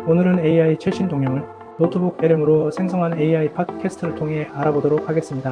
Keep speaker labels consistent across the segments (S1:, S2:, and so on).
S1: 오늘은 AI 최신 동향을 노트북 LM으로 생성한 AI 팟캐스트를 통해 알아보도록 하겠습니다.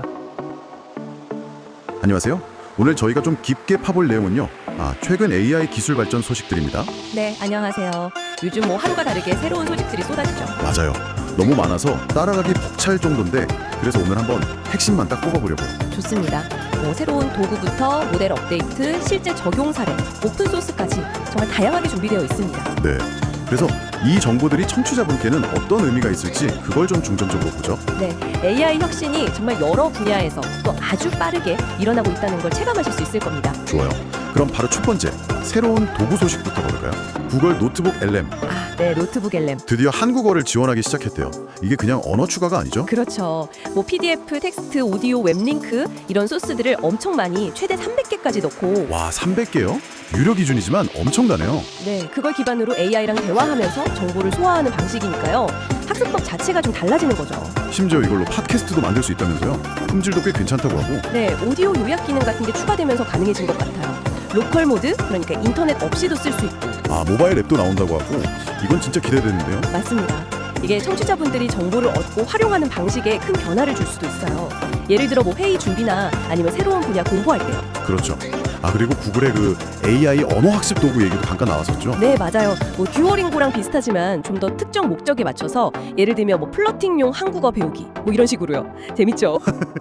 S2: 안녕하세요. 오늘 저희가 좀 깊게 파볼 내용은요. 최근 AI 기술 발전 소식들입니다.
S3: 네, 안녕하세요. 요즘 하루가 다르게 새로운 소식들이 쏟아지죠.
S2: 맞아요. 너무 많아서 따라가기 벅찰 정도인데 그래서 오늘 한번 핵심만 딱 꼽아보려고요.
S3: 좋습니다. 새로운 도구부터 모델 업데이트, 실제 적용 사례, 오픈소스까지 정말 다양하게 준비되어 있습니다.
S2: 네. 그래서 이 정보들이 청취자분께는 어떤 의미가 있을지 그걸 좀 중점적으로 보죠.
S3: 네, AI 혁신이 정말 여러 분야에서 또 아주 빠르게 일어나고 있다는 걸 체감하실 수 있을 겁니다.
S2: 좋아요. 그럼 바로 첫 번째, 새로운 도구 소식부터 볼까요? 구글 노트북 LM.
S3: 네, 노트북 LM.
S2: 드디어 한국어를 지원하기 시작했대요. 이게 그냥 언어 추가가 아니죠?
S3: 그렇죠. PDF, 텍스트, 오디오, 웹링크 이런 소스들을 엄청 많이 최대 300개까지 넣고
S2: 와, 300개요? 유료 기준이지만 엄청나네요.
S3: 네, 그걸 기반으로 AI랑 대화하면서 정보를 소화하는 방식이니까요. 학습법 자체가 좀 달라지는 거죠.
S2: 심지어 이걸로 팟캐스트도 만들 수 있다면서요? 품질도 꽤 괜찮다고 하고.
S3: 네, 오디오 요약 기능 같은 게 추가되면서 가능해진 것 같아요. 로컬 모드, 그러니까 인터넷 없이도 쓸 수 있고.
S2: 모바일 앱도 나온다고 하고 이건 진짜 기대되는데요.
S3: 맞습니다. 이게 청취자분들이 정보를 얻고 활용하는 방식에 큰 변화를 줄 수도 있어요. 예를 들어 회의 준비나 아니면 새로운 분야 공부할 때요.
S2: 그렇죠. 그리고 구글의 그 AI 언어 학습 도구 얘기도 잠깐 나왔었죠.
S3: 네, 맞아요. 듀오링고랑 비슷하지만 좀 더 특정 목적에 맞춰서 예를 들면 플러팅용 한국어 배우기 이런 식으로요. 재밌죠?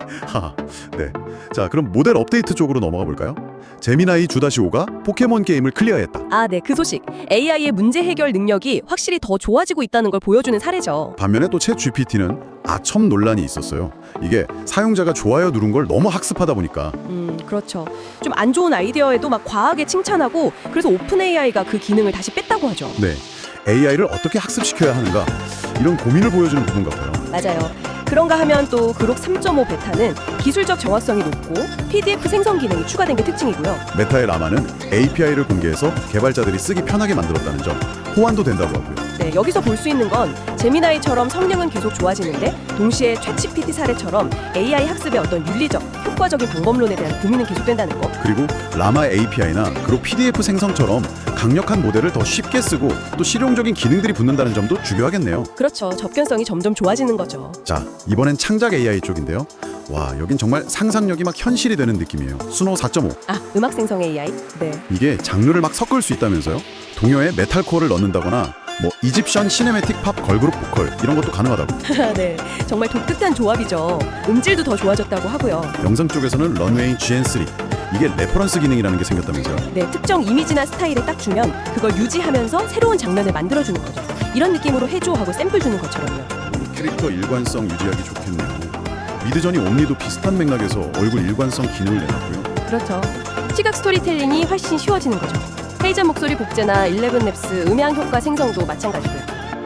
S2: 네. 자, 그럼 모델 업데이트 쪽으로 넘어가 볼까요? 제미나이 2-5가 포켓몬 게임을 클리어했다.
S3: 네, 그 소식. AI의 문제 해결 능력이 확실히 더 좋아지고 있다는 걸 보여주는 사례죠.
S2: 반면에 또 챗 GPT는 아첨 논란이 있었어요. 이게 사용자가 좋아요 누른 걸 너무 학습하다 보니까.
S3: 그렇죠. 좀 안 좋은 아이디어에도 막 과하게 칭찬하고 그래서 오픈 AI가 그 기능을 다시 뺐다고 하죠.
S2: 네. AI를 어떻게 학습시켜야 하는가 이런 고민을 보여주는 부분 같아요.
S3: 맞아요. 그런가 하면 또 그록 3.5 베타는 기술적 정확성이 높고 PDF 생성 기능이 추가된 게 특징이고요.
S2: 메타의 라마는 API를 공개해서 개발자들이 쓰기 편하게 만들었다는 점, 호환도 된다고 하고요.
S3: 네, 여기서 볼 수 있는 건 제미나이처럼 성능은 계속 좋아지는데 동시에 챗GPT 사례처럼 AI 학습의 어떤 윤리적, 효과적인 방법론에 대한 고민은 계속된다는 거.
S2: 그리고 라마 API나 그리고 PDF 생성처럼 강력한 모델을 더 쉽게 쓰고 또 실용적인 기능들이 붙는다는 점도 중요하겠네요.
S3: 그렇죠. 접근성이 점점 좋아지는 거죠.
S2: 자, 이번엔 창작 AI 쪽인데요. 와, 여긴 정말 상상력이 막 현실이 되는 느낌이에요. 수노 4.5.
S3: 음악 생성 AI? 네.
S2: 이게 장르를 막 섞을 수 있다면서요? 동요에 메탈코어를 넣는다거나 이집션 시네매틱 팝 걸그룹 보컬 이런 것도 가능하다고.
S3: 네, 정말 독특한 조합이죠. 음질도 더 좋아졌다고 하고요.
S2: 영상 쪽에서는 런웨이 GN3 이게 레퍼런스 기능이라는 게 생겼다면서요.
S3: 네, 특정 이미지나 스타일에 딱 주면 그걸 유지하면서 새로운 장면을 만들어주는 거죠. 이런 느낌으로 해줘 하고 샘플 주는 것처럼요.
S2: 캐릭터 일관성 유지하기 좋겠네요. 미드저니 옴니도 비슷한 맥락에서 얼굴 일관성 기능을 내놨고요.
S3: 그렇죠. 시각 스토리텔링이 훨씬 쉬워지는 거죠. 헤이즈 목소리 복제나 11랩스 음향 효과 생성도 마찬가지고요.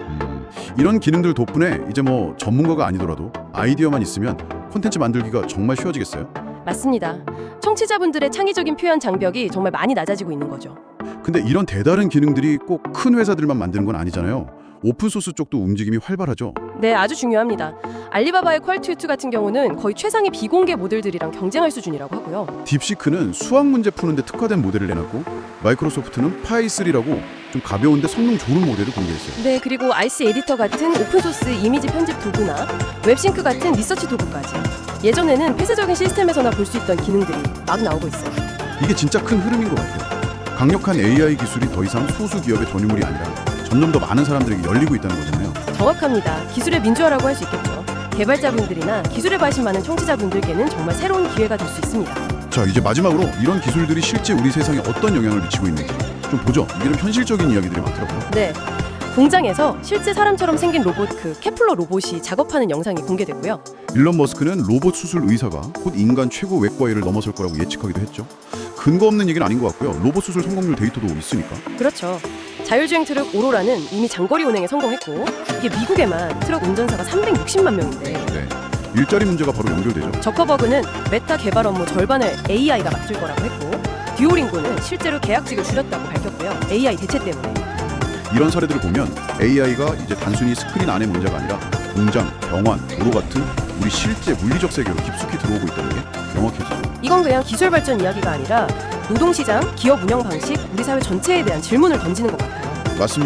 S2: 이런 기능들 덕분에 이제 전문가가 아니더라도 아이디어만 있으면 콘텐츠 만들기가 정말 쉬워지겠어요?
S3: 맞습니다. 청취자분들의 창의적인 표현 장벽이 정말 많이 낮아지고 있는 거죠.
S2: 근데 이런 대다른 기능들이 꼭 큰 회사들만 만드는 건 아니잖아요. 오픈소스 쪽도 움직임이 활발하죠.
S3: 네, 아주 중요합니다. 알리바바의 퀄투2 같은 경우는 거의 최상의 비공개 모델들이랑 경쟁할 수준이라고 하고요.
S2: 딥시크는 수학 문제 푸는데 특화된 모델을 내놨고 마이크로소프트는 파이3라고 좀 가벼운데 성능 좋은 모델을 공개했어요.
S3: 네, 그리고 IC 에디터 같은 오픈소스 이미지 편집 도구나 웹싱크 같은 리서치 도구까지. 예전에는 폐쇄적인 시스템에서나 볼 수 있던 기능들이 막 나오고 있어요.
S2: 이게 진짜 큰 흐름인 것 같아요. 강력한 AI 기술이 더 이상 소수 기업의 전유물이 아니라 점점 더 많은 사람들에게 열리고 있다는 거잖아요. 정확합니다.
S3: 기술의 민주화라고 할 수 있겠죠. 개발자분들이나 기술에 관심 많은 청취자분들께는 정말 새로운 기회가 될 수 있습니다.
S2: 자, 이제 마지막으로 이런 기술들이 실제 우리 세상에 어떤 영향을 미치고 있는지 좀 보죠. 이게 좀 현실적인 이야기들이 많더라고요.
S3: 네. 공장에서 실제 사람처럼 생긴 로봇 케플러 로봇이 작업하는 영상이 공개됐고요.
S2: 일론 머스크는 로봇 수술 의사가 곧 인간 최고 외과의를 넘어설 거라고 예측하기도 했죠. 근거 없는 얘기는 아닌 것 같고요. 로봇 수술 성공률 데이터도 있으니까.
S3: 그렇죠. 자율주행 트럭 오로라는 이미 장거리 운행에 성공했고 이게 미국에만 트럭 운전사가 360만 명인데
S2: 네. 일자리 문제가 바로 연결되죠.
S3: 저커버그는 메타 개발 업무 절반을 AI가 맡을 거라고 했고 듀오링고는 실제로 계약직을 줄였다고 밝혔고요. AI 대체 때문에.
S2: 이런 사례들을 보면 AI가 이제 단순히 스크린 안의 문제가 아니라 공장, 병원, 도로 같은 우리 실제 물리적 세계로 깊숙이 들어오고 있다는 게 명확해지죠.
S3: 이건 그냥 기술 발전 이야기가 아니라 노동시장, 기업 운영 방식, 우리 사회 전체에 대한 질문을 던지는 것 같아요.
S2: 맞습니다.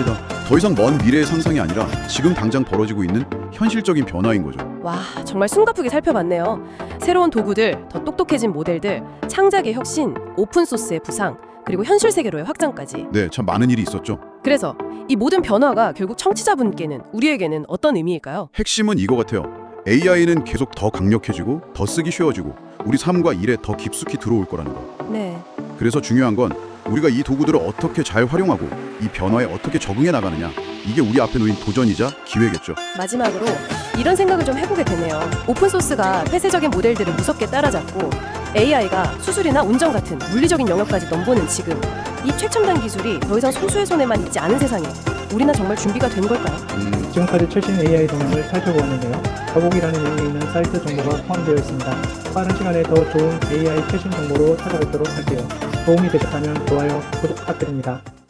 S2: 더 이상 먼 미래의 상상이 아니라 지금 당장 벌어지고 있는 현실적인 변화인 거죠.
S3: 와, 정말 숨가쁘게 살펴봤네요. 새로운 도구들, 더 똑똑해진 모델들, 창작의 혁신, 오픈소스의 부상, 그리고 현실 세계로의 확장까지.
S2: 네, 참 많은 일이 있었죠.
S3: 그래서 이 모든 변화가 결국 청취자분께는, 우리에게는 어떤 의미일까요?
S2: 핵심은 이거 같아요. AI는 계속 더 강력해지고 더 쓰기 쉬워지고 우리 삶과 일에 더 깊숙이 들어올 거라는 거.
S3: 네.
S2: 그래서 중요한 건 우리가 이 도구들을 어떻게 잘 활용하고 이 변화에 어떻게 적응해 나가느냐. 이게 우리 앞에 놓인 도전이자 기회겠죠.
S3: 마지막으로 이런 생각을 좀 해보게 되네요. 오픈소스가 폐쇄적인 모델들을 무섭게 따라잡고 AI가 수술이나 운전 같은 물리적인 영역까지 넘보는 지금, 이 최첨단 기술이 더 이상 소수의 손에만 있지 않은 세상에 우리는 정말 준비가 된 걸까요?
S1: 지금까지 최신 AI 동향을 살펴보았는데요. 더보기란에 있는 사이트 정보가 포함되어 있습니다. 빠른 시간에 더 좋은 AI 최신 정보로 찾아뵙도록 할게요. 도움이 되셨다면 좋아요, 구독 부탁드립니다.